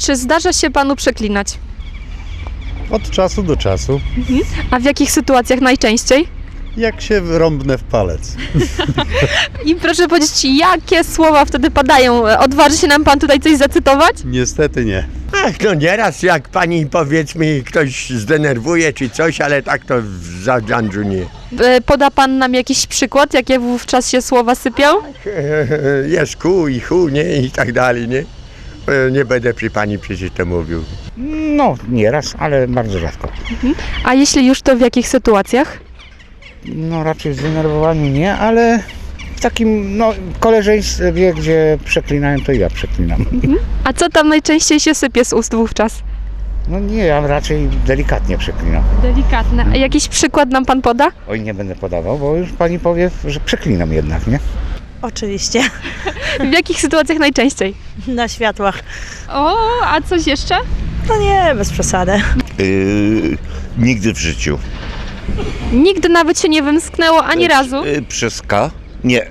Czy zdarza się panu przeklinać? Od czasu do czasu, A w jakich sytuacjach najczęściej? jak się rąbnę w palec. I proszę powiedzieć, jakie słowa wtedy padają? Odważy się nam pan tutaj coś zacytować? Niestety nie. Ach, no nieraz jak pani powiedzmy ktoś zdenerwuje czy coś, ale tak to w zadręczu nie. Poda pan nam jakiś przykład, jakie wówczas się słowa sypią? Jest ku i hu, nie? I tak dalej, nie? Nie będę przy pani przecież to mówił. No, nieraz, ale bardzo rzadko. A jeśli już, to w jakich sytuacjach? No raczej w zdenerwowaniu nie, ale w takim koleżeństwie, gdzie przeklinałem, to ja przeklinam. A co tam najczęściej się sypie z ust wówczas? No nie, ja raczej delikatnie przeklinam. Delikatne. A jakiś przykład nam pan poda? Oj, nie będę podawał, bo już pani powie, że przeklinam jednak, nie? Oczywiście, W jakich sytuacjach najczęściej? na światłach. O, a coś jeszcze? No nie, bez przesady. Nigdy w życiu. Nigdy nawet się nie wymsknęło ani razu. Przez K? Nie.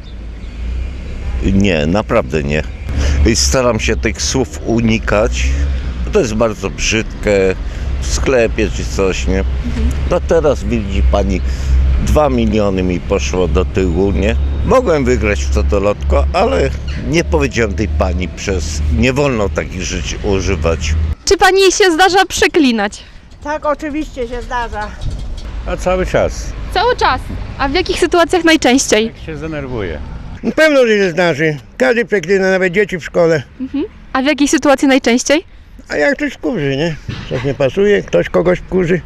Nie, naprawdę nie. Staram się tych słów unikać. To jest bardzo brzydkie w sklepie czy coś, nie? No teraz widzi pani, 2 miliony mi poszło do tyłu, nie? Mogłem wygrać w totolotko, ale nie powiedziałem tej pani nie wolno takich rzeczy używać. Czy pani się zdarza przeklinać? Tak, oczywiście się zdarza. A cały czas. Cały czas. A w jakich sytuacjach najczęściej? Jak się zdenerwuję. Pewno, że się zdarzy. Każdy przeklina, nawet dzieci w szkole. A w jakiej sytuacji najczęściej? A jak ktoś wkurzy, nie? Coś nie pasuje, ktoś kogoś wkurzy.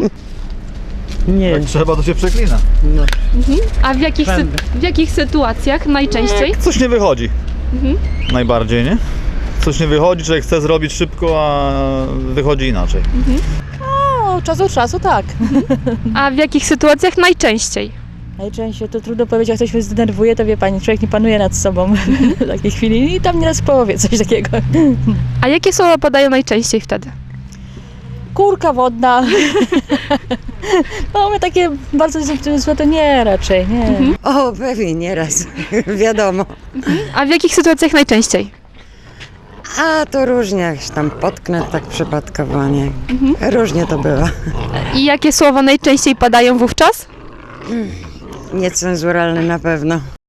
Trzeba, to się przeklina. A w jakich sytuacjach najczęściej? Coś nie wychodzi. Najbardziej, nie? Coś nie wychodzi, człowiek chce zrobić szybko, a wychodzi inaczej. Od czasu do czasu tak. A w jakich sytuacjach najczęściej? Najczęściej to trudno powiedzieć, jak ktoś się zdenerwuje, to wie pani, człowiek nie panuje nad sobą w takiej chwili i tam nieraz powie coś takiego. A jakie słowa padają najczęściej wtedy? Kurka wodna. No my takie bardzo złe to nie raczej, nie. O, pewnie nieraz, wiadomo. A w jakich sytuacjach najczęściej? A to różnie, jak się tam potknę tak przypadkowo, nie? Różnie to bywa. I jakie słowa najczęściej padają wówczas? Niecenzuralne na pewno.